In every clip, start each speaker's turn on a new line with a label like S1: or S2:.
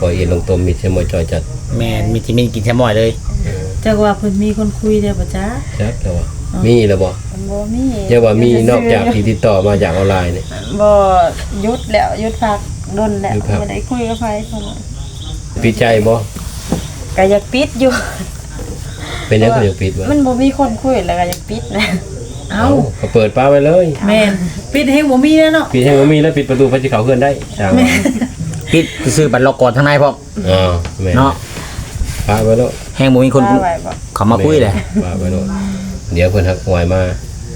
S1: ปล่อยเอ็นลงตมมีเชมอยจอยจัด
S2: แม่นมีที่มีกินแซลมอนเลย
S3: จักว่าเพิ่นมีคนคุยได้บ่จ๊ะ
S1: จักแล้วว่ามีแล้วบ่
S4: มี
S1: เรียกว่ามีนอกจากที่ติดต่อมาจากออนไลน์นี่
S4: บ่หยุดแล้วหยุดพักดนแล้วบ่ได้คุยกับไผเพิ่น
S1: ปิดใจบ่
S4: ก็อยากปิดอยู่
S1: เป็นยังก็อยากปิดบ่
S4: มันบ่มีคนคุยแล้วก็อยากปิดนะ
S3: เอ้า
S1: ก็เปิดป้าไว้เลย
S3: แม่นปิดให้บ่มีแล้วเนาะ
S1: ปิดให้บ่มีแล้วปิดประตูพระสิเข้าเฮือนได้จ้าง
S2: ปิดซื้อบัตรล็อกก่อนทางในพร้อม
S1: แม่น
S2: เนาะ
S1: ป้าไว้แล้ว
S2: แฮงบ่มีคนเขามาคุยเลย
S1: ป้าไว้แล้วเดี๋ยวเพิ่นฮักหวยมา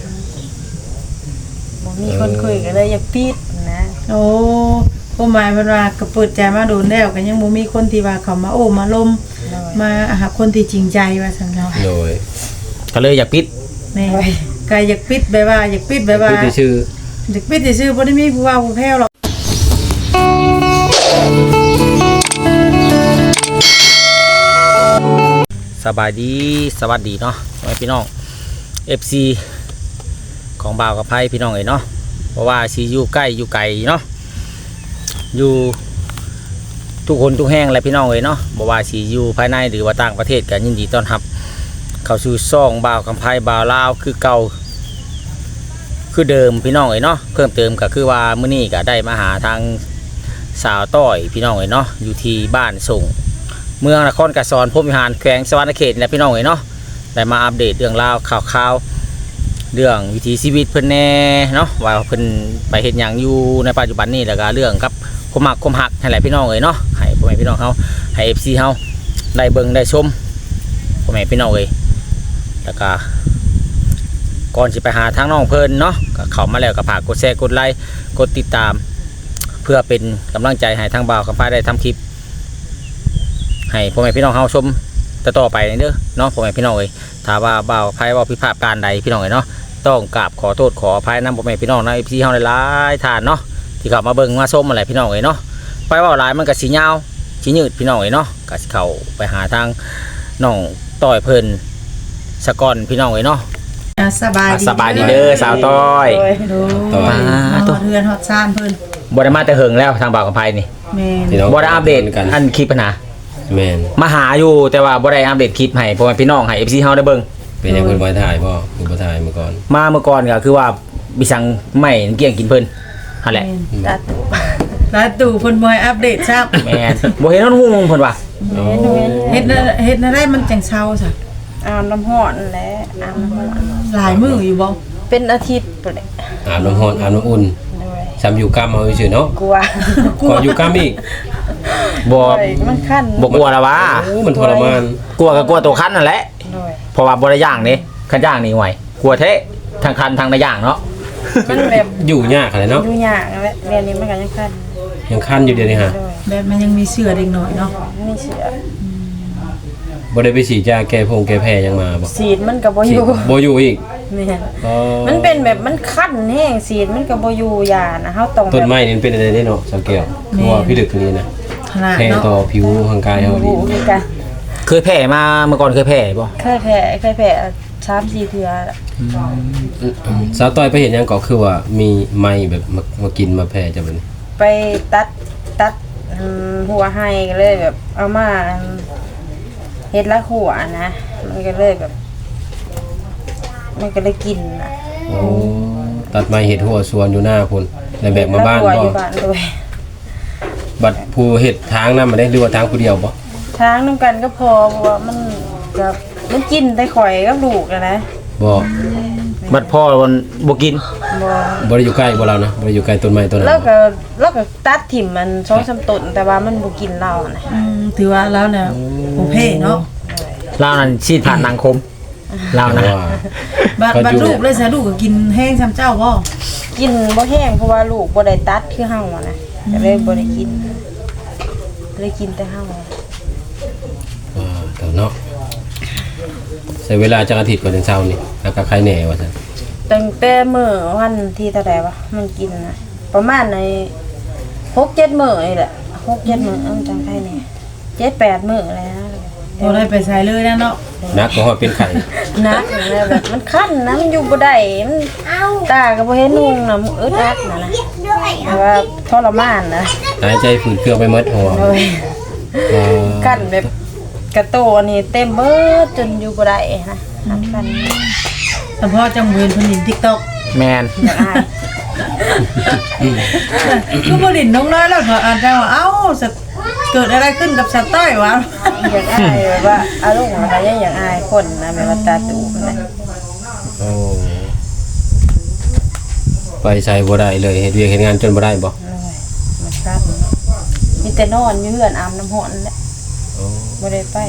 S4: บ่มีคนคุยก็เลยอยากปิดนะ
S3: โอ้ก็หมายมันว่าก็เปิดใจมาโดนแล้วก็ยังบ่มีคนที่ว่าเขามาโอ้มาลมมาหาคนที่จริงใจว่าซั่นเนาะ
S1: โดย
S2: ก็เลยอยากปิด
S3: แม่ก็อยากปิดแบบว่าอยากปิดแบบว่า
S1: ปิดชื่อ
S3: อยากปิดซื่อบ่ได้มีผู้ว่าผู้แพ้วหรอก
S2: สบายดีสวัสดีเนาะพี่น้อง FC ของบ่าวกับไพ่พี่น้องเนาะเพราะว่าสิอยู่ใกล้อยู่ไกลเนาะอยู่ทุกคนทุกแห่งแหละพี่น้องเนาะบ่ว่าสิอยู่ภายในหรือว่าต่างประเทศก็ยินดีต้อนรับเข้าสู่ช่องบ่าวกับไพ่บ่าวลาวคือเก่าคือเดิมพี่น้องเนาะเพิ่มเติมก็คือว่ามื้อนี้ก็ได้มาหาทางสาวต้อยพี่น้องเนาะอยู่ที่บ้านส่งเมืองนครกระสอนพรหมวิหารแขวงสวรรณเขตและพี่น้องเนาะได้มาอัปเดตเรื่องราวข่าวเรื่องวิถีชีวิตเพิ่นแน่เนาะว่าเพิ่นไปเฮ็ดหยังอยู่ในปัจจุบันนี้แล้วก็เรื่องกับความหักให้หลายพี่น้องเนาะให้พ่อแม่พี่น้องเฮาให้ FC เฮาได้เบิ่งได้ชมพ่อแม่พี่น้องแล้วก็ก่อนสิไปหาทางน้องเพิ่นเนาะก็เข้ามาแล้วก็ฝากกดแชร์กดไลค์กดติดตามเพื่อเป็นกำลังใจให้ทางบ่าวกับฟ้าได้ทำคลิปให้พ่อแม่พี่น้องเฮาชมต่อไปเด้อเนาะพ่อแม่พี่น้องถ้าว่าบ่าวไพ่ว่าผิดพลาดการใดพี่น้องเนาะต้องกราบขอโทษขออภัยนำพ่อแม่พี่น้องในพี่เฮาหลายๆท่านเนาะที่เข้ามาเบิ่งมาชมอะไรพี่น้องเนาะไปว่าหลายมันก็สิยาวสิยืดพี่น้องเนาะก็สิเข้าไปหาทางน้องต้อยเพิ่นสะก่อนพี่น้องเนาะ
S3: สบาย
S2: ดีเด้อสาวต้อย
S3: ตัวเรือนฮอดซ่านเพิ่น
S2: บ่ได้มาแต่เหิงแล้วทางบ่าวกับไพ่นี่
S3: แม่
S2: บ่ได้อัปเดตกันอันคลิปปัญหา
S1: แม่น
S2: มาหาอยู่แต่ว่าบ่ได้อัปเดตคลิปให้พ่อแม่พี่น้องให้ FC เฮาได้เบิ่ง
S1: เป็นยังเพิ่นบ่ถ่ายบ่เพิ่นบ่ถ่ายเมื่อก่อน
S2: ก็คือว่าบิสังไม่เกี่ยงกินเพิ่นนั่นแหละ
S3: ลาตู่เพิ่นบ่ให้อัปเดตซับ
S2: แม่นบ่เห็นฮู้เพิ่นว่า
S3: เฮ็ดได้มันจังเช้าซะ
S4: อาบน้ำร้อนแหละอาบน้ำร้อน
S3: หลายมื้ออยู่บ่
S4: เป็นอาทิตย์พุ่นแหละ
S1: อาบน้ำร้อนอาบน้ำอุ่นซ้ำอยู่กล้ามเอาซื่อเนาะ
S4: กลัว
S1: อยู่กล้ามอีก
S2: บ่
S4: มันคัน
S2: บ่กลัวละวะ
S1: มันทรมาน
S2: กลัวก็กลัวตัวคันนั่นแหละเพราะว่าบ่ได้ย่างนี่คันย่างนี่ห่วยกลัวแท้ทางคันทางได้ย่างเนาะ
S4: มันแบบ
S1: อยู่ยากอะไรเนาะ
S4: อยู่ยากแหละเรียนนี้มันก็ยัง
S1: คันอยู่เดี๋ยวนี้ฮะ
S3: แบบมันยังมีเสื้อเด็กน้อยเนาะ
S4: มีเสื้อ
S1: บ่ได้ไปฉีดยาแก้แพ้ยังมาบ่
S4: ฉีดมันก็บ่อยู่
S1: อีก
S4: แม่นมันเป็นแบบมันคันแห้งฉีดมันก็บ่อยู่ยานะเฮาต้อง
S1: ต้นไม้นี่เป็นอะไรได้เนาะสังเกตตัวพี่ดึกนี่นะแพ้ต่อผิวร่างกายเฮาดี
S2: เคยแพ้มาเมื่อก่อนเคยแพ้บ่
S4: เคยแพ้3-4 เทื่อ
S1: สาวต้อยไปเห็นยังก็คือว่ามีไม้แบบมากินมาแพ้จังบัดนี้
S4: ไปตัดหัวให้ก็เลยแบบเอามาเฮ็ดละหัวนะมันก็เลยแบบมันก็เลยกินนะ
S1: โอ้ตัดไม้เฮ็ดหัวสวนอยู่หน้าพุ่นแล้วแบกมาบ้านบ่บัดผู้เฮ็ดทางนำมาได้หรือว่าทางผู้เดียวบ่
S4: ทางนำกันก็พอเพราะว่ามันกินแต่ข่อยกับลูกนะ
S1: บ่
S2: บัดพ่อมันบ่กิน
S1: บ่ได้อยู่ใกล้บ่เรานะบ่ได้อยู่ใกล้ต้นไม้ต้นนั้น
S4: แล้วก็ตัดถิ่มมัน 2-3 ต้นแต่ว่ามันบ่กินเรานะ
S3: ถือว่าแล้วเนี่ยโอเคเนาะ
S2: เรานั่นชีดผ่านนางคมเรานะ
S3: บัดลูกเลยซะลูกก็กินแห้งซ้ำเจ้าบ่
S4: กินบ่แห้งเพราะว่าลูกบ่ได้ตัดคือเฮานะก็เลยบ่ได้กินเลยกินแต่เฮา
S1: แต่เนาะใช้เวลาจักอาทิตย์กว่าถึงเช้านี่แล้วก็ใครแหน่ว่าซั่น
S4: ตั้งแต่มื้อวันที่เท่าใดวะมันกินนะประมาณใน 6-7 มื้อนี่แหละ 6-7 มื้อจังไผแน่ 7-8 มื้อแล้ว
S3: บ่ได้ไปใส่เลยนะเนาะ
S1: นักบ่ฮอดเป็นไข้
S4: นักแล้วแบบมันคันนะมันอยู่บ่ได้มันตาก็บ่เห็นนุ่งน่ะอึดอัดน่ะนะว่าทรมานนะ
S1: หายใจฝืดเครื่องไปหมดหัว
S4: กั้นแบบกระโตอันนี้เต็มเบิดจนอยู่บ่ได้นะหักกัน
S3: เฉพาะจังเวนเพิ่นเห็น TikTok
S2: แมน
S4: อยากอาย
S3: ก็บ่ลิ้นน้องน้อยแล้วเขาอาจจะว่าเอ้าเกิดอะไรขึ้นกับสต้อยวะ
S4: อยากอายแบบว่าอารมณ์อะไรอยากอายคนนะแบบว่าตาตูนะ
S1: โอ้ไปใส่บ่ได้เลยเฮ็ดเวียกเฮ็ดงานจนบ่ได้บ่
S4: เลยมันครับมีแต่นอนอยู่เฮือนอาบน้ำร้อนแหละ
S1: โอ้
S4: บ่ได้ไป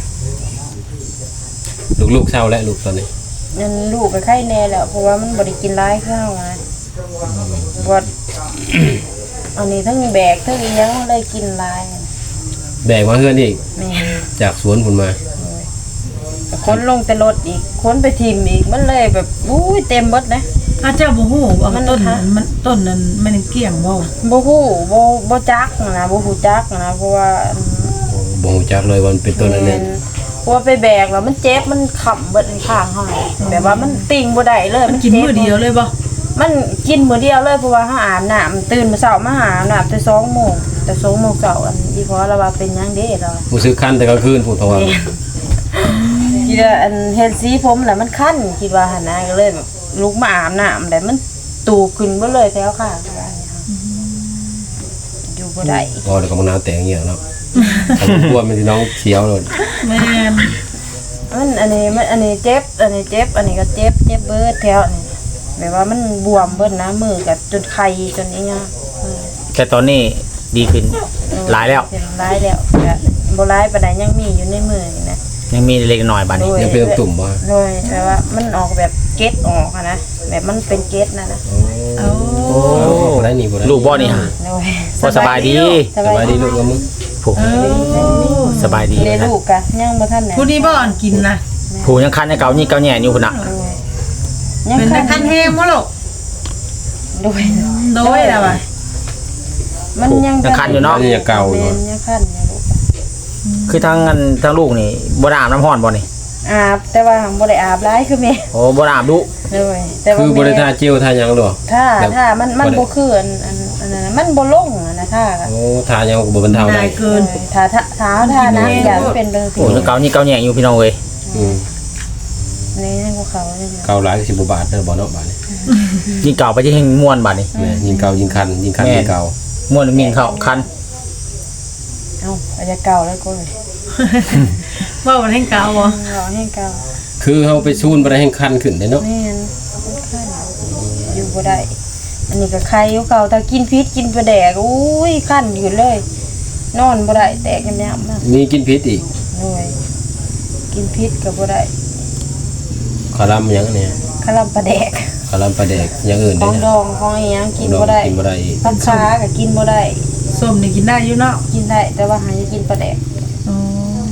S1: ลูกๆเศร้าแล้วลูกตอนนี้
S4: นั่นลูกก็ไข้แน่แล้วเพราะว่ามันบ่ได้กินหลายข้าวนะบ่อันนี้ทั้งแบกทั้งอีหยังเลยกินหลาย
S1: แบกมาเฮือนอีก
S4: แม่
S1: จากสวนพุ่นมา
S4: คนลงแต่รถอีกคนไปทิมอีกมันเลยแบบอุ้ยเต็มเบิดนะ
S3: อาเจ้าบ่ฮู้ว่า
S4: มัน
S3: ต้นนั้นมันต้นนั้นมันเกลี้ยงบ่
S4: บ่ฮู้บ่จักนะบ่ฮู้จักนะเพราะว่า
S1: บ่ฮู้จักเลยว่ามันเป็นต้นอันนั้น
S4: เพราะว่าไปแบกแล้วมันเจ็บมันขำเบิดข้างเฮาแบบว่ามันติ่งบ่ได้เลย
S3: มันกินมื้อเดียวเลยบ่
S4: มันกินมื้อเดียวเลยเพราะว่าเฮาอาบน้ำตื่นมื้อเช้ามาอาบน้ำแต่2:00 นแต่2:00 นเช้าอันอีพอเราว่าเป็นหยังเด้เรา
S1: รู้สึกคันแต่กลางคืนพูดเพราะว่า
S4: คิดว่าอันเฮ็ดสีผมแล้วมันคันคิดว่าหั่นนะก็เลยแบบลุกมาอาบน้ำแล้วมันตูขึ้นเบ่เลยแถวข้างว่าเนี่ยค่ะอยู่บ่ได้
S1: พอแล้วก็มะนาวแตงเงี้ยเนาะผมกลัวมันสิน้องเสียวเลย
S3: แม่น
S4: มันอันนี้เจ็บอันนี้เจ็บอันนี้ก็เจ็บเบิดแถวนี่แบบว่ามันบวมเบิดนะมือกับจนไข้จนนี้เงี้ย
S2: แต่ตอนนี้ดีขึ้นหลายแล้ว
S4: ร้ายแล้วก็บ่ร้ายปานใดยังมีอยู่ในมือนี่นะ
S2: ยังมีเล็กน้อยบาดนี้
S1: ยังเป็นตุ่มบ่
S4: โดยแบบว่ามันออกแบบเกล็ดออกอะนะแบบมันเป็นเกล็ดนะ
S3: เอา
S2: โอ้
S1: บ่ได้นี่บ่ได้
S2: ลูกบ่นี่ฮะ
S4: โดย
S2: พอสบายดี
S1: สบายดีลูกกับมึง
S2: ผูก
S3: เอา
S2: สบายดี
S4: เลี้ยง
S2: นะ
S4: ลูกกะยังบ่ทันไหน
S3: ผู้นี้บ่อ่อนกินนะ
S2: ผูกยังคันให้เก่านี่เก่าแหน่อยู่พุ่นน่ะ
S4: โดยยัง
S3: เป็น
S4: คั
S3: ตะ
S4: น
S3: คันแฮมบ่ลูก
S4: โดย
S3: โดยแล้วว่ะ
S4: มันยัง
S2: ยังคันอยู่เนาะ
S1: อันนี้ยังเก่าอยู่
S4: ยังคันอยู่ลูก
S2: คือทั้งลูกนี่บ่ได้อาบน้ำร้อนบ่นี่
S4: อาบแต่ว่าบ่ได้อาบหลายคือแม่
S2: โอ้บ่ได้อาบดุ
S4: เลยแต่ว่า
S1: คือบ่ได้ทา
S4: แม่
S1: เจลทาหยังหรอ
S4: ถ้ามันบ่คืออันนั้นนะมันบ่ลงอะนะถ้าก็
S1: โอ้ทาหยังก็บ่บรรเทาได้
S3: นายเกิน
S4: ถ้านะอย่าเป็นเรื่อง
S2: โอ้ยังเก่านี่เก่าแหน่อยู่พี่น้องเอ้ย
S1: อืม
S4: นี่ให้พวกเขาเนี่ย
S1: เก่าหลายก็สิบ่บาดเด้อบ่เนาะบาดนี้
S2: นี่เก่าไปที่แห่งม่วนบาดนี้
S1: แม่ยิงเก่ายิงคันยิงคันยิงเก่า
S2: ม่วนมีเข้าคัน
S4: เอ้าอาจจะเก่าแล้วก็เลย
S3: ว่ามันให้เก่าบ่
S4: รอให้เก่า
S1: คือเฮาไปซูนบ่ได้ให้คันขึ้นได้เนาะ
S4: แม่นมันคันอยู่บ่ได้ อันนี้ก็ไข่อยู่เก่าถ้ากินพิษกินปลาแดกอุ้ยคันอยู่เลย นอนบ่ได้แตกยำๆมาก
S1: มีกินพิษอีก
S4: เลยกินพิษก็บ่ได้
S1: คารัมหยังเนี่ย
S4: คาราปลาแดก
S1: คารัมปลาแดกอย่างอื่น
S4: ข
S1: ได้
S4: อง
S1: นะ
S4: ดองของอีหยังกิน
S1: ดอง
S4: บ่ได้
S1: กินบ่ได้อีก
S4: ผักขาก็กินบ่ได้
S3: ส้มนี่กินได้อยู่เนาะ
S4: กินได้แต่ว่าหาจะกินปลาแดก
S3: อ๋อ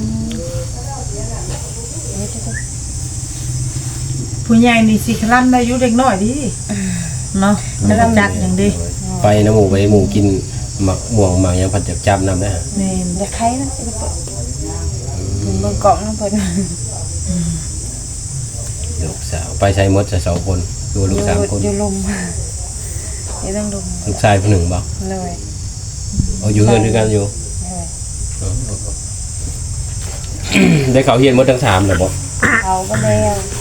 S3: ผู้ใหญ่นี่สิคลั่นได้อยู่เด็กน้อยดิเนาะมันก็จักอย่างดี
S1: ไปน้ำหมูไปหมูกินหมักม่วงหมักหยังผัดจับจับน้ำได้ฮะ
S3: แม่น
S4: อย่าไข่นะไอ้เปิดเบิ่งกล่องน้ำเพิ่น
S1: ลูกสาวไปใช้หมดจะสองคนดูลูกสามคน
S4: อยู่ลุมอยู่ต้องลุม
S1: ลูกชายผู้หนึ่งบ่
S4: เลย
S1: เอาอยู่เฮือนด้วยกันอยู่
S4: เลย
S1: ได้เขาเฮียนหมดทั้งสามแล้วบ่
S4: เอาก็แล้ว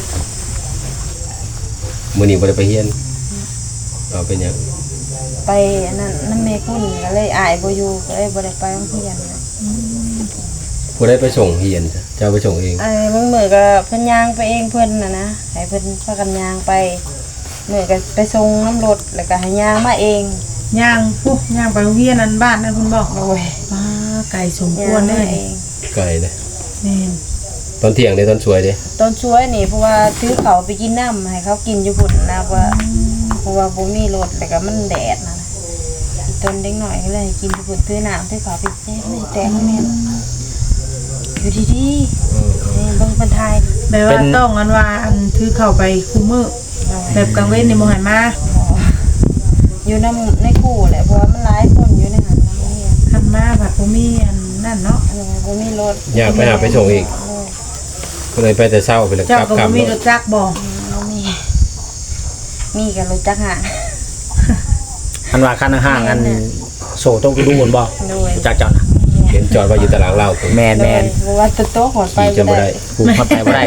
S1: มื้อนี้บ่ได้ไปเฮียนเอาเป็นหยัง
S4: ไปอันนั้นน้ำเมคุณก็เลยอายบ่อยู่ก็เลยบ่ได้ไปโรงเรียนนะ
S1: ผู้ได้ไปส่งเฮียนจ้ะเจ้าไปส่งเอง
S4: ไอ้มึงมือก็เพิ่นย่างไปเองเพิ่นน่ะนะให้เพิ่นพากันย่างไปมือก็ไปส่งน้ำรถแล้วก็ให้ย่างมาเอง
S3: ย่างปุ๊ย่างไปโรงเรียนนั้นบ้านนั่นคุณบอก
S4: โอ้ย
S3: ป้าไก่สมค
S4: ย่าว
S3: รง เล
S4: มาย เอง
S1: ไกลเลย
S3: แม่น
S1: ตอนเที่ยงเด้ตอนสวยเด้
S4: ต้นช่วยนี่เพราะว่าซื้อเขาวไปกินน้ำให้เขากินอยู่พุ่นนะว่าเพราะว่าบ่มีรถแล้วก็มันแดดนะอีต้นเด็กหน่อยก็เลยให้กินอยู่พุ่นซื้อน้ำซื้อเขาวไปแจ้ไม่แตกแม่นอยู่ดีๆนี่เบิ่งเพิ่นทาย
S3: แบบว่าต้องอันว่าอันถือเข้าไปคุมมือแบบกลางเว้นนี่บ่ให้มา
S4: อยู่ในคู่แหละเพราะว่ามันหลายคนอยู่ในหันน้ำเนี่ย
S3: คันมาผัดบ่มีอันนั่นเนาะ
S4: อันนี้บ่มีรถ
S1: อยากไปหาไปส่งอีกก็เลยไปแต่เช้าไปแล้วก
S3: เจ้า
S1: ลับ
S3: ก็
S1: กลั
S3: บ่
S1: บ
S3: มีรถจักรบ่
S4: บ่มีกันรถจักรหา
S2: อันว่าคันห่างๆอันโซต้องดูบนบ่
S4: โดย
S2: จากเจ้านะ
S4: เนี่ย
S1: เห็นจอดไว้อยู่ตารางเล่าผม
S2: แมน
S4: เพราะว่าตะโต๊ะหอดไป
S1: ขี่จนบ่ได้
S2: กูเข้าไปบ่ได้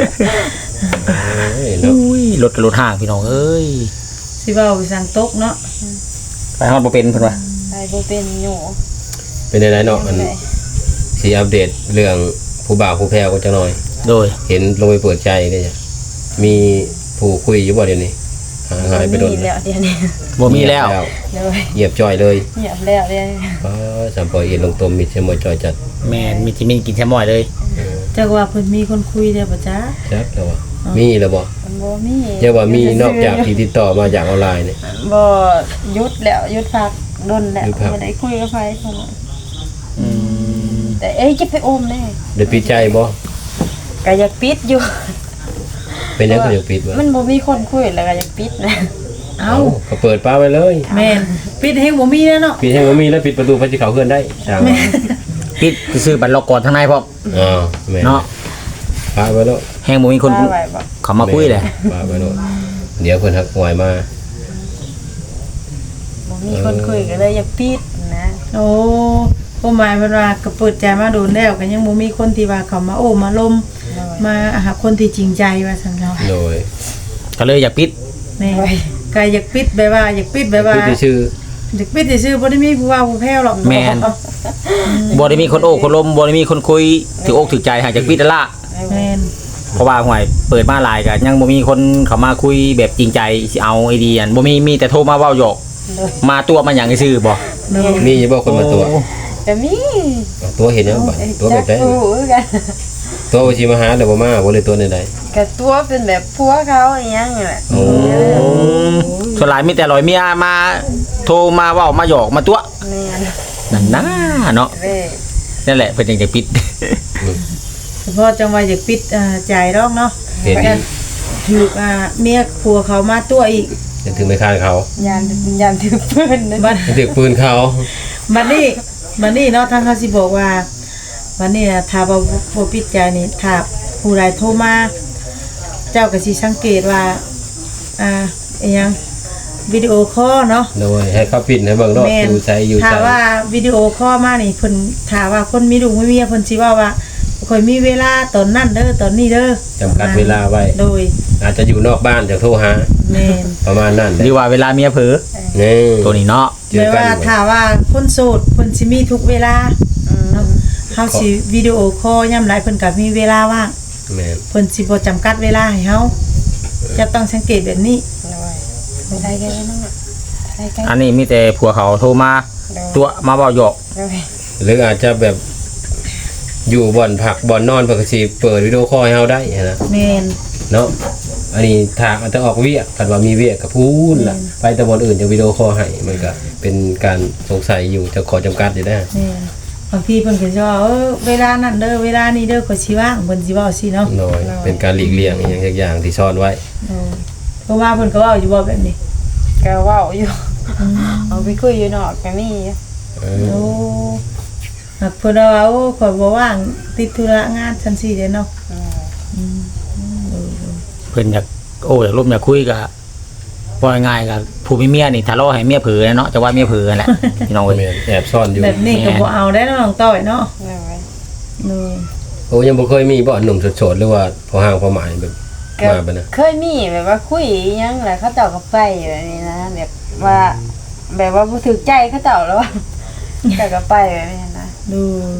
S1: เอ้ยเนาะ
S2: อุ้ยรถกับรถห่างพี่น้องเอ้ย
S3: สิเว้าสั่งตกเนาะ
S2: ไปฮอดบ่เป็นเพิ่นว่า
S4: ไปบ่เป็นอยู่
S1: เป็นไดเนาะมันสิอัปเดตเรื่องผู้บ่าวผู้แพ้ก็จังหน่อย
S2: โดย
S1: เห็นลงไปเปิดใจได้จ้ะมีผู้คุยอยู่บ่เดี๋ยวนี้หายไปโดน
S4: มีแล้วเดี๋ยวนี้
S2: บ่มีแล้ว
S4: เลย
S1: เหยียบจ่อยเลย
S4: เงียบแล้วเดี๋ยวนี้
S1: สัมปอยเอ็นลงตมมิดเสมอจ่อยจัด
S2: แมนมีจิมินกินแซมอยเลย
S3: จักว่าเพิ่นมีคนคุยได้บ่จ๊ะ
S1: จักแล้วบ่มีแล้วบ่
S4: มันบ่มี
S1: เรียกว่ามีนอกจากที่ติดต่อมาจากออนไลน์เนี่ย
S4: บ่หยุดแล้วหยุดพักดนแล้ว
S1: หยุดพัก
S4: บ่ได้คุยกับไผคนนั้น
S2: อืม
S4: แต่เอ้ยจะไปอมแน่
S1: ได้ปิดใจบ่
S4: ก็อยากปิดอยู่
S1: เป็นยังก็อยากปิดบ่
S4: มันบ่มีคนคุยแล้วก็อยากปิดนะ
S3: เอ้า
S1: ก็เปิดป้าไว้เลย
S3: แม่นปิดให้บ่มีแล้วเนาะ
S1: ปิดให้บ่มีแล้วปิดประตูพระสิเขาเคลื่อนได้ช่างว่า
S2: ปิดซื้อบัตรล็อกก่อนทางในพร้อม
S1: อ๋อแม่น
S2: เนาะ
S1: ป้าไว้แล้ว
S2: แฮงบ่มีคน
S4: ว่าไว้บ่
S2: เขามาคุยเลย
S1: ป้าไว้แล้วเดี๋ยวเพิ่นทักหวยมา
S4: บ่มีคนคุยก็เลยอยากปิดนะ
S3: โอ้ความหมายเพิ่นว่าก็เปิดใจมาโดนแล้วก็ยังบ่มีคนที่ว่าเขามาโอ้มาลมมาหาคนที่จริงใจว่าซั่นเนาะ
S1: โดย
S2: ก็เลยอยากปิด
S3: แม่ก็อยากปิดแบบว่าอยากปิดแบบว่า
S1: ปิดชื่อ
S3: อยากปิดซื่อๆบ่ได้มีผู้ว่าผู้แพ้วหรอก
S2: แม่นบ่ได้มีคนโอ้คนลมบ่ได้มีคนคุยถืออกถือใจหากจากปิดนั่นล่ะ
S3: แม่น
S2: เพราะว่าห่วยเปิดมาหลายก็ยังบ่มีคนเข้ามาคุยแบบจริงใจสิเอาไอเดียนบ่มีแต่โทรมาเว้าหยอกมาตัวมาหยังซื่อบ่
S1: มีอยู่บ่คนมาตัว
S4: ก็มี
S1: ตัวเห็นยังบ่ตัวแบบใด
S4: จักรู้คือกัน
S1: ตัวบ่สิมาหาแล้วบ่มาบ่เลยตัวใด
S4: ก็ตัวเป็นแบบผัวเขาอหยังนี่แหละ
S1: ๆโอ้
S2: ส่วนหลายมีแต่ลอยเมียมาโทรมาเว้ามาหยอกมาตัว
S4: แม่น
S2: นั่นนะเนาะ
S4: เด้
S2: นั่นแหละเพิ่นยังจะปิด
S3: เฉพาะจังว่าอยากปิดใจดอกเนาะ
S1: เห็น
S3: ก็ถูกเมียผัวเขามาตัวอีก
S1: ยังถึงไม่คานเขา
S4: ยานถือปืนนะ
S3: บัด
S1: ยังถึงปืนเขา
S3: บัดนี้เนาะทางเขาสิบอกว่าวันนี้น่ะถ้าบ่ปิดใจนี่ถ้าผู้ใดโทรมาเจ้าก็สิสังเกตว่าอิหยังวิดีโอคอลเนาะ
S1: โดยให้เขาปิดให้เบิ่งรอบ
S3: แม่น
S1: อยู่ใจอยู่
S3: ถ้า
S1: ใจ
S3: ว่าวิดีโอคอลมานี่เพิ่นถ้าว่าคนมีลูกมีเมียเพิ่นสิว่าข่อยมีเวลาตอนนั้นเด้อตอนนี้เด้อ
S1: จำกัดเวลาไว้
S3: โดย
S1: อาจจะอยู่นอกบ้านจะโทรหา
S3: แม่น
S1: ประมาณนั้น
S2: หรือว่าเวลาเมียเผลอ
S1: นี่
S2: ตัวนี้เนาะ
S1: เจอ
S3: แม้
S1: กัน
S3: ว่าถ้าว่าคนโสดเพิ่นสิมีทุกเวลาเนาะเฮาสิวิดีโอคอลยามใดเพิ่นก็มีเวลาว่าง
S1: แม่น
S3: เพิ่นสิบ่จำกัดเวลาให้เฮาจะต้องสังเกตแบบนี้
S4: ไปได้แค่นั้นน่ะได้แค่
S2: อันนี้มีแต่ผัวเขาโทรมาตัวมาเว้าหยอก
S1: หรืออาจจะแบบอยู่บ่อนผักบ่อนนอนเพิ่นก็สิเปิดวิดีโอคอลให้เฮาได้นะ
S3: แม่น
S1: เนาะอันนี้ทางอาจจะออกเวียกคันว่ามีเวียกก็พูนล่ะไปแต่บ่อนอื่นจะวิดีโอคอลให้มันก็เป็นการสงสัยอยู่จะขอจำกัดอยู่ได้
S3: แม่นบางทีเพิ่นก็สิว่าเวลานั้นเด้อเวลานี้เด้อข่อยสิว่างเพิ่นสิเว้าสิเนาะ
S1: น้อยเป็นการหลีกเลี่ยงอหย่างสักอย่างที่ซ่อนไว้
S3: เพราะว่าเพิ่นก็เว้าอยู่บ่แบบนี้
S4: ก็เว้าอยู่เอาไปคุยอยู่นอกก็มี
S1: เออ
S3: โอ้หากเพิ่นว่าโอ้ข่อยบ่ว่างติดธุระงานจังซี่เด้เนาะ
S2: เพิ่นอยากโอ้อยากร่วมอยากคุยกับว่าง่ายๆกับผู้มีเมียนี่ทะเลาะให้เมียเผลอเนาะจะว่าเมียเผลอนั่นแหละพี่น้องเว้ย
S1: แม่นแอบซ่อนอยู่
S3: แบบนี้ก็บ่เอาได้เนาะน้องต้อยเนาะเออ
S1: โอ้ยังบ่เคยมีบ่หนุ่มโสดๆหรือว่าพอห่างพอหมายแบบมาบ่นะ
S4: เคยมีแบบว่าคุยอิหยังแหละเขาเจ้าก็ไปแบบนี้นะแบบว่าแบบว่าบ่ถูกใจเขาเจ้าแล้วว่าแต่ก็ไปแบบนี้นะ
S3: ดู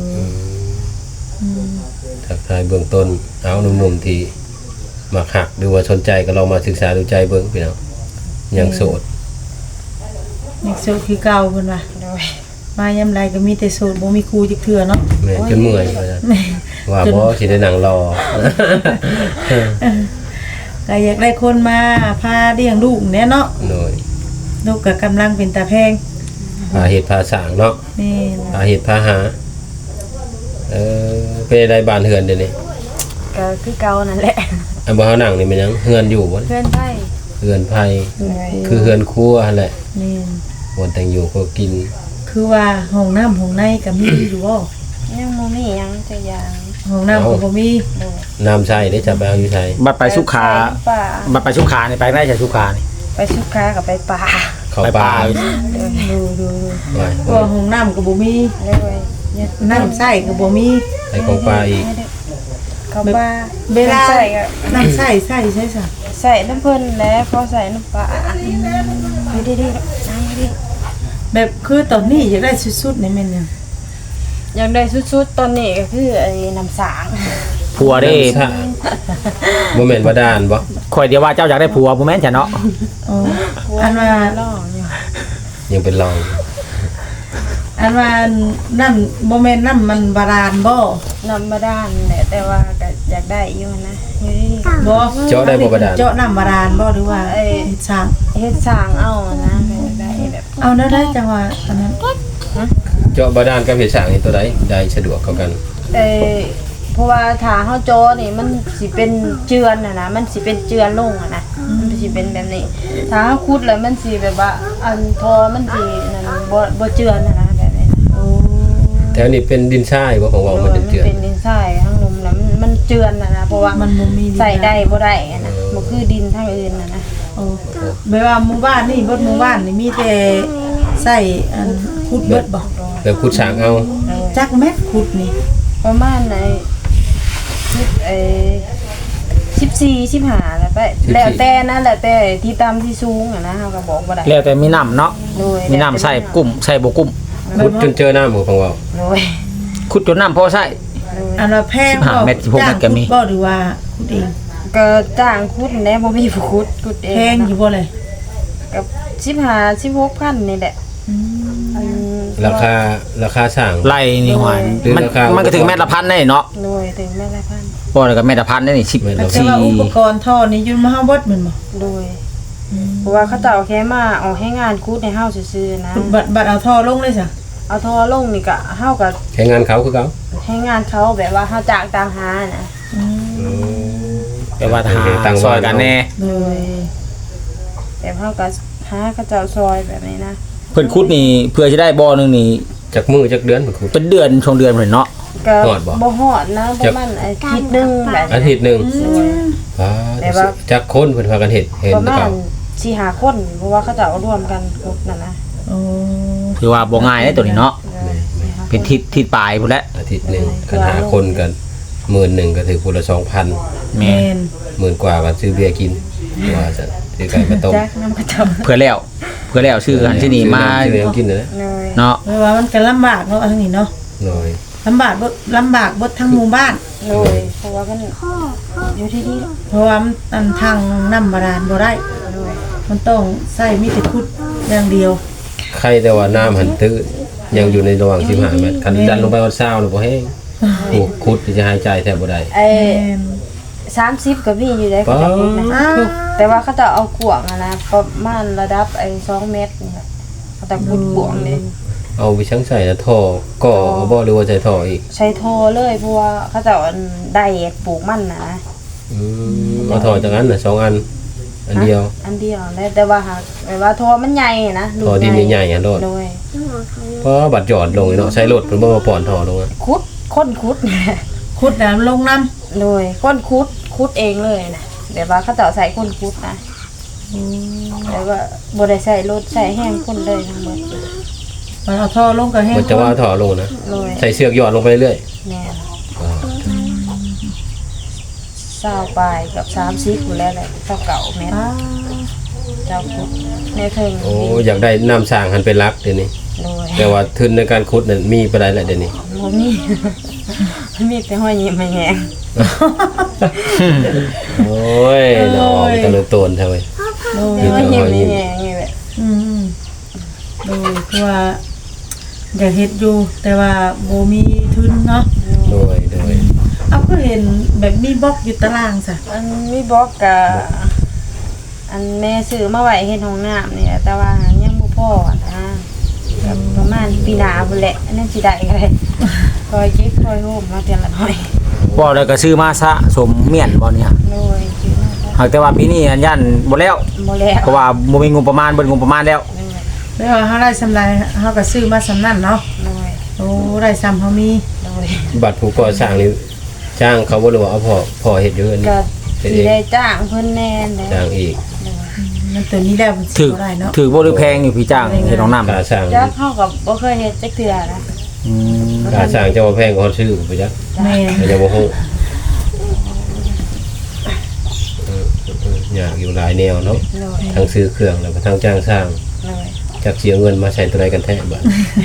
S1: ทักทายเบื้องต้นเอาหนุ่มๆที่มักหักหรือว่าสนใจก็ลองมาศึกษาดูใจเบิ่งพี่น้องยังโสด
S3: นี่โสดคือเก่าเพิ่นว่า
S4: โดย
S3: มายามใดก็มีแต่โสดบ่มีครูจักเทื่อเนาะ
S1: แม่จนเมื่อยว่าซั่นว่าบ่สิได้นั่งรอ
S3: ก็อยากได้คนมาพาเลี้ยงลูกแน่เนาะ
S1: หน่อย
S3: ลูกก็กำลังเป็นตาแพง
S1: พาเฮ็ดพาสร้างเนาะ
S3: นี่
S1: พาเฮ็ดพาหาเป็นได้บ้านเฮือนเดี๋ยวนี้
S4: ก็คือเก่านั่นแหละ
S1: อันบ่เฮานั่งนี่มันยังเฮือนอยู่บ่
S4: เพื่อนไผ
S1: เฮือนไผ
S4: โดย
S1: คือเฮือนครัวหั่นแหละ
S3: นี่
S1: บ่แต่งอยู่ก็กิน
S3: คือว่าห้องน้ำห้องในก็มีอยู่บ่
S4: ยังบ่มีหยังจักอย่าง
S3: ห้องน้ำก็บ่มี
S4: โดย
S1: น้ำใช้ได้จะไปเอาอยู่ใช้
S2: บัดไปสุขา
S4: ไปป่า
S2: บัดไปสุขานี่ไปได้จากสุขานี่
S4: ไปสุขากับไปป่า
S1: เข้า
S2: ไป
S1: ป่า
S2: ป่า
S3: ดู
S1: ไว้
S3: ก็ห้องน้ำก็บ่มี
S4: เลย
S3: บน้ำใส่ก็บ่มี
S1: ใส่ของปลาอีก
S4: เขาบ้า
S3: เวลา
S4: ใส่ก็
S3: น้ำใส่ใส่ซะ
S4: ใส่น้ำเพิ่นแล้วพอใส่น้ำปลาไม่ได้ดีนั่งดิ
S3: แบบคือตอนนี้อยากได้สุดๆในแม่นยัง
S4: อยากได้สุดๆตอนนี้ก็คือไอ้น้ำสาง
S2: ผัวเด้
S1: น้ำสะบ่แม่นบาดาลบ่
S2: ข่อยเดียวว่าเจ้าอยากได้ผัวบ่แม่นจ้ะเนาะ
S3: อ๋ออันว่า
S4: ล่องอยู่
S1: ยังเป็นรอง
S3: อันว่าน้ำบ่แม่นน้ำมันบาดาลบ่
S4: น้ำบาดาลแหละแต่ว่าก็อยากได้อยู่นะอยู่ดี
S3: บ่
S1: เจาะได้บ่บาดาล
S3: เจาะน้ำบาดาลบ่หรือว่าเฮ็ดสร้าง
S4: ๆเฮ็ดสร้างเอานะก็อยากได้แบบ
S3: เอาได้จังว่าอันนั้น
S1: เจาะบาดาลกับเฮ็ดสร้างนี่ตัวใดได้สะดวกกว่ากัน
S4: เพราะว่าถ้าเฮาโจอนี่มันสิเป็นเจือนนะมันสิเป็นเจือนลงนะมันสิเป็นแบบนี้ ถ้าเฮาขุดแล้วมันสิแบบว่าอันทอมันสินั่นบ่เจือนนะแบบนี้
S3: โอ้
S1: แถวนี้เป็นดินทรายบ่ของเรามันเป็นเจือน
S4: เป็นดินทรายทั้งลมแล้วมันเจือนนะเพราะว่า
S3: มันบ่มีดิน
S4: ใส่ได้บ่ได้นะบ่คือดินทางอื่นนะ
S3: โอ้แบบว่าหมู่บ้านนี่เบิดหมู่บ้านนี่มีแต่ใส่อันขุดเบิดบ่
S1: แล้วขุดสร้างเอา
S3: จักเม็ดขุดนี่
S4: ประมาณ14 15แล้วไปแล้วแต่นะแล้วแต่ที่ต่ำที่สูงนะเฮาก็บอกบ่ได้
S2: แล้วแต่มีน้ำเนาะ
S4: โดย
S2: มีน้ำใส่กุ้มใส่บ่กุ้ม
S1: ขุดจนเจอน้ำบ่ของเรา
S4: โดย
S2: ขุดจนน้ำพอใส่
S3: อันว่าแพงบ่
S2: 15เม็ด16เม็ดก็มี
S3: จ้างขุดบ่หรือว่าขุดเอง
S4: ก็จ้างขุดแหน่บ่มีผู้ขุดเอง
S3: แพงอยู่บ่เลย
S4: กับ15 16,000นี่แหละ
S1: ราคาสร้าง
S2: ไล่นี่หวาน
S1: หรือ
S2: มัน
S1: ราคา
S2: มันก็ถึงแม่ละพันได้เนาะ
S4: โดยถึงแม่ละพัน
S2: บ่แล้วก็แม่ละพันได้นี่
S1: แม่ละ
S3: แต่ว่าอุปกรณ์ท่อนี่อยู่มาเฮาเบิดแม่นบ่
S4: โดยเพราะว่าเขาเจ้าแค่มาเอาให้งานขุดให้เฮาซื่อๆนะ
S3: บัดเอาท่อลงเลยจ้ะ
S4: เอาทอลงนี่ก็เฮาก็
S1: ใช้งานเขาคือเขา
S4: ให้งานเขาแบบว่าเฮาจ้างต่างหานะ
S2: แปลว่าทหารซอยกันแน่
S3: โดย
S4: แบบเฮาก็หาเขาเจ้าซอยแบบนี้นะ
S2: เพิ่นขุดนี่เพื่อจะได้บ่อนึงนี่
S1: จากมือจากเดือนมันขุด
S2: เป็นเดือนช่วงเดือนเพิ่นเนาะ
S4: ก็
S1: ฮอดบ่
S4: บ่ฮอดนะประมาณอาทิตย์หนึงแบบ
S1: อาทิตย์หนึงจากคนเพิ่นพากันเฮ็ดเห็น
S4: ประ
S1: หรือ
S4: มา
S1: เป
S4: ณ
S1: ล่า
S4: 4-5 คนเพราะว่าเขาเจ้าร่วมกันขุดนั่นนะ
S3: โอ้
S2: คือว่าบ่ง่ายเด้ตัวนี้เนาะเป็นทิศปลายพุ่นแหละ
S1: อาทิตย์หนึงกันหาคนกัน10,000ก็ถือคนละ 2,000
S2: แม่
S3: แม่น
S1: 10,000กว่าก็ซื้อเบียร์กินว่าจะซื้อไก่มาต้ม
S4: จักน้ำกระเจ้า
S2: เพื่อแล้วชื่อหันที่นี่มา
S1: ซื้อเลี้ยงกินนะ
S4: เลย
S2: เนาะ
S3: เพราะว่ามันก็ลำบากเนาะทางนี้เนาะ
S1: หน่อย
S3: ลำบากเบิดทั้งหมู่บ้าน
S4: เลยเพราะว่ามันอยู่ที่นี่
S3: เพราะว่ามันอันทางน้ำบาดาลบ่ได้
S4: เลย
S3: มันต้องใส่มีแต่ขุดอย่างเดียว
S1: ใครแต่ว่าน้ำหันตื้นยังอยู่ในระหว่าง15เมตรคันดันลงไปเอา20แล้วบ่แห้งโอ้คุดที่จะหายใจแทบบ่ได้
S4: ไอ้
S3: แม่น
S4: 30ก็มีอยู่ได้เขาจะพูดนะ
S3: อ้าว
S4: แต่ว่าเขาจะเอาขวางอะนะประมาณระดับไอ้2 เมตรนี่แหละเขาจะขุดขวางเลย
S1: เอาไปชั่งใส่แล้วท่อก่อเอาบ่หรือว่าใส่ท่ออีก
S4: ใช้โทรเลยเพราะว่าเขาจะอันได้ปลูกมันนะ
S1: เอาท่อจากนั้นน่ะ2อันอันเดียว
S4: อันเดียวแล้วแต่ว่าหากแบบว่าโทรมันใหญ่นะลูก
S1: ท่อดินใหญ่ๆอ่ะโลด
S4: โดย
S1: เพราะบัดหยอดลงเนาะใช้รถเพิ่นบ่มาป้อนท่อลงอะ
S4: ขุดค้นขุด
S3: ขุดน้ำลงน้ำ
S4: โดยค้นขุดเองเลยนะแบบว่าเขาจะใส่ค้นขุดนะแล้วก็บ่ได้ใส่รถใส่แห้งคนเลยทั้งหมด
S3: มันเอาท่อลงก็แห้ง
S1: มันจะว่าท่อลงนะ
S4: โดย
S1: ใส่เสือกหยอดลงไปเรื่อย
S4: แม่น
S1: ๆ
S4: 20ปลายกับ30อยู่แล้วแหละเท่าเก่าแม่น
S3: อ้าว
S4: เจ้าขุดในเทิง
S1: โอ้อยากได้น้ำสร้างหันเป็นรักเดี๋ยวนี้
S4: โดย
S1: แต่ว่าทุนในการขุดนั่นมีปานใดแล้วเดี๋ยวนี้
S4: บ่มี มีแต่ห้อยยิ้มให้แหง
S1: โอ้ยเนาะมันตะลึงโตนแท้เว้ย
S3: โดย
S4: ห้อยยิ้มให้แหงนี่แหละ
S3: อืมโดยคือว่าอยากเฮ็ดอยู่ แต่ว่าบ่มีทุนเนาะ
S1: โดย
S3: เอาก็เห็นแบบมีบล็อกอยู่ตารางซะ
S4: อันมีบอกกับอันแม่ซื้อมาไว้เฮ็ดห้องน้ำนี่แหละแต่ว่ายังบ่พอนะก็ประมาณปีหน้าพุ่นแหละอันนั้นสิได้ก็ได้คอยเก็บคอยโฮมมาเดือนละหน่อย
S2: บ่แล้วก็ซื้อมาซะสมเมียนบ่เนี่ย
S4: โดยซื้อมาก็
S2: หากแต่ว่าปีนี้อันยันบ่แล้ว
S4: บ่แล้ว
S2: เพราะว่าบ่มีงบประมาณเบิดงบประมาณแล้ว
S3: แล้วาเฮาได้สำไรเฮาก็ซื้อมาสำนั้นเนาะ
S4: โดย
S3: โอ้ได้ซ้ำเฮามี
S4: โดย
S1: บัตรผู้ก่อสร้างนี่จ้างเขาบ่หรือว่าเอาพอเฮ็ดอยู่อันนี้
S4: ก็
S1: เฮ็ด
S4: สิ
S1: เอง
S4: ได้จ้างเพิ่นแน่นแหละ
S1: จ้างอีก
S3: มันตัวนี้แล้วมันสิ
S2: ถือ
S3: บ่ได้เนาะ
S2: ถือบ่หรือแพงอยู่พี่จ้างเฮ็ดน้องน้ำ
S1: ค่าสร้าง
S4: จักเฮาก็บ่เคยเฮ็ดจักเทื่อนะ
S2: อืม
S1: ค่าสร้างเจ้าว่าแพงกว่าเขาชื่อไปจัก
S3: แม่
S1: แต่ยังบ่ฮู้อยากอยู่หลายแนวเนาะ
S4: เลย
S1: ทั้งซื้อเครื่องแล้วก็ทั้งจ้างสร้าง
S4: เลย
S1: จักเสียเงินมาใช้ตัวใดกันแท้บัด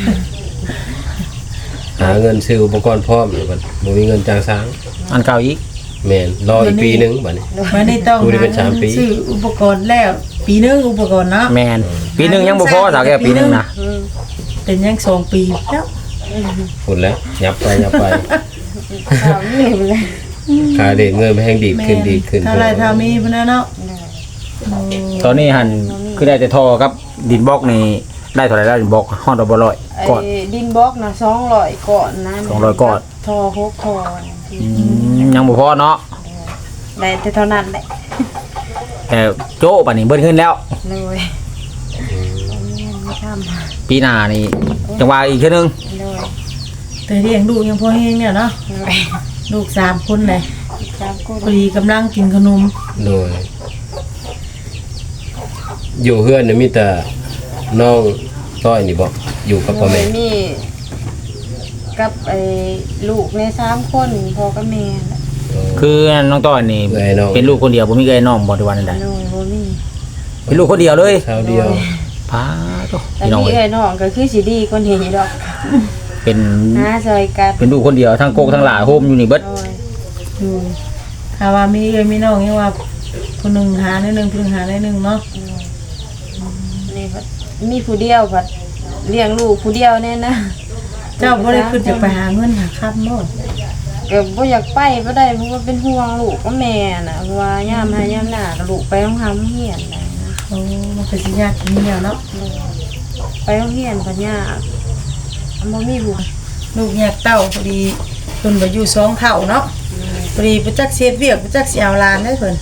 S1: หาเงินซื้ออุปกรณ์พร้อมแล้วบัดบ่มีเงินจ้างสร้าง
S2: อันเก่าอีก
S1: แม่นรออีกปีหนึงบัดนี้
S3: มันได้ต้อง
S1: ดูได้เป็น3ปี
S3: ซื้ออุปกรณ์แล้วปีนึงอุปกรณ์เนาะ
S2: แมนปีหนึงยังบ่พอสาวแก้วปีหนึงนะ
S3: เป็นยัง2 ปีแล้ว
S1: ฝุ่นแล้วยับไป
S4: ข่าวนี่เลย
S1: ค่าเด็ดเงินไปแห้งดีดขึ้นดีดขึ้น
S3: เท่าไรเท่ามีพุ่นน่ะเนาะ
S2: ตอนนี้หันคือได้แต่ทอกับดินบล็อกนี่ได้เท่าไหร่แล้วดินบล็อกฮอดบ่ร้อย
S4: ไอ้
S2: ก่อน
S4: ดินบล็อกนะ200ก่อนนะ
S2: 200ก่อน
S4: ทอ6ทอ
S2: ยังบ่พอเนาะ
S4: ได้แต่เท่านั้นแหละ
S2: แต่โจ้ป่านนี้เบิ้ลขึ้นแล้ว
S4: เลยไม่ทำ
S2: ปีหน้านี่จังว่าอีกเทื่อนึง
S4: เลย
S3: แต่เลี้ยงลูกยังพอแห้งเนี่ยเนาะ
S4: เลย
S3: ลูก3คนเลย
S4: จามกู
S3: พอดีกำลังกินขนม
S1: โดยอยู่เฮือนเนี่ยมีแต่น้องต้อยนี่บ่อยู่กับพ่อแม่
S4: มีกับไอ้ลูกใน3คนพ่อกับแม่น่ะ
S2: คือน้องต้อยนี่
S1: เอ้ยน้อง
S2: เป็นลูกคนเดียวบ่มีเอ้ยน้องบ่ได้ว่านั่นใด
S4: เลยบ่มี
S2: เป็นลูกคนเดียวเลย
S1: เช้าเดียว
S2: พาโต
S4: แต่
S2: พี่น้อง
S4: นี่
S2: เอ้
S4: ไอ้
S2: ย
S4: น้องก็คือสิดีคนเห็นอยู่ดอก
S2: เป็น
S4: หาซอยกัน
S2: เป็นลูกคนเดียวทั้งโกกทั้งหลาโฮมอยู่นี่เบิด
S4: เลย
S3: อยู่ถ้าว่ามีเอ้ยมีน้องยังว่าคนหนึงหาได้หนึงคนหนึงหาได้หนึงเนาะ
S4: นี่พัดมีผู้เดียวพัดเลี้ยงลูกผู้เดียวแน่นะ
S3: เจ้าบ่ได้ขึ้นจะไปหาเงินหาค่ำบ่
S4: ก็บ่อยากไปบ่ได้เพราะว่าเป็นห่วงลูกกับแม่น่ะเพราะว่ายามหายามหน้าก็ลูกไปโรงหำเฮียนน่ะนะ
S3: โอ้มันก็สิยากมีแล้วเนาะ
S4: ไปโรงเรียนก็ยากบ่มีผู้
S3: ลูกแยกเต้าพอดีเพิ่นบ่อยู่2เท่าเนาะพอดีบ่จักเสียเวียกบ่จักสิเอาหลานได้เพิ่น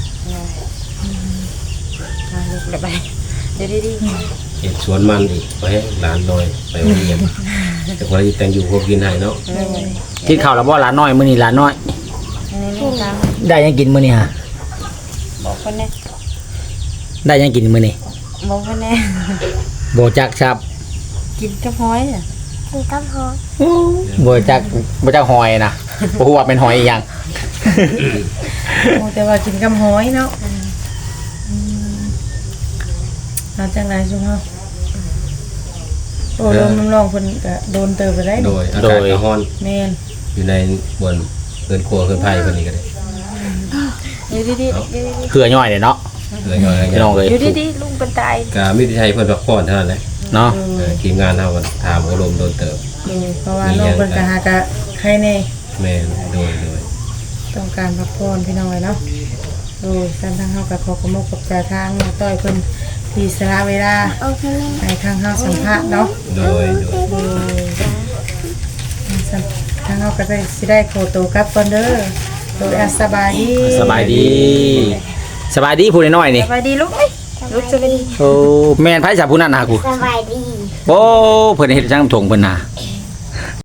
S4: พาลูกไปเดี๋ยวดี
S1: เฮ็ดสวนมันอีกไปให้หลานน้อยไปโรงเรียนแต่คนที่แต่งอยู่พวกกินให้เนาะ
S4: ๆเลย
S2: กินข้าวแล้วบ่หลานน้อยมื้อนี้หลานน้อย
S4: อันนี้ลูกตาม
S2: ได้ยังกินมื้อนี้ฮะ
S4: บอกเพิ่นแน่
S2: ได้ยังกินมื้อนี้
S4: บอกเพิ่นแน่
S2: บ่จักครับ
S4: กินกับห้อยน่ะ
S2: บ่จักหอยนะบ่ฮู้ว่าเป็นหอยอีหยัง
S3: โอ้แต่ว่ากินกับหอยเนาะเอาจังไดซุเฮาโอ้ลมน้ำรองเพิ่นก็โดนเติบไปได้
S1: โดยอากาศก็ร้อน
S3: แม่น
S1: อยู่ในบนเกินครัวเกินไผ่คนนี้ก็ได้
S4: อยู่ดีๆอยู่ดี
S2: เหือย่อยเด้เนาะ
S1: เลยย่อย
S2: พี่น้องเอ้ย
S4: ๆอยู่ดีๆลุงเป็นตาย
S1: ก็มีที่ใช้เพิ่นพักผ่อนเท่านั้นแหละ
S2: เนาะ
S1: ทีมงานเฮาก็ถามอารมณ์โดนเติบ
S3: เพราะว่าน้องเพิ่นก็หากะใครแน่
S1: แม่นโดย
S3: ต้องการพักผ่อนพี่น้องเนาะโดยการทางเฮาก็ขอขอบคุณกับใจทางน้องต้อยเพิ่นที่สละเวลาให้ทางเฮาสัมภาษณ์เนาะ
S1: โดย
S3: ทางเราก็ได้สิได้โคโตวกลับก่อนเด้อโดยสบายดี
S2: สบายดีสบายดีผู้น้อยๆนี่
S4: สบายดีลูกเอ้ยลูกสบายดี
S2: โอ้แม่นไผสาผู้นั้นน่ะกู
S5: สบายดี
S2: โอ้เพิ่นเฮ็ดจังถงเพิ่นน่ะ
S5: ส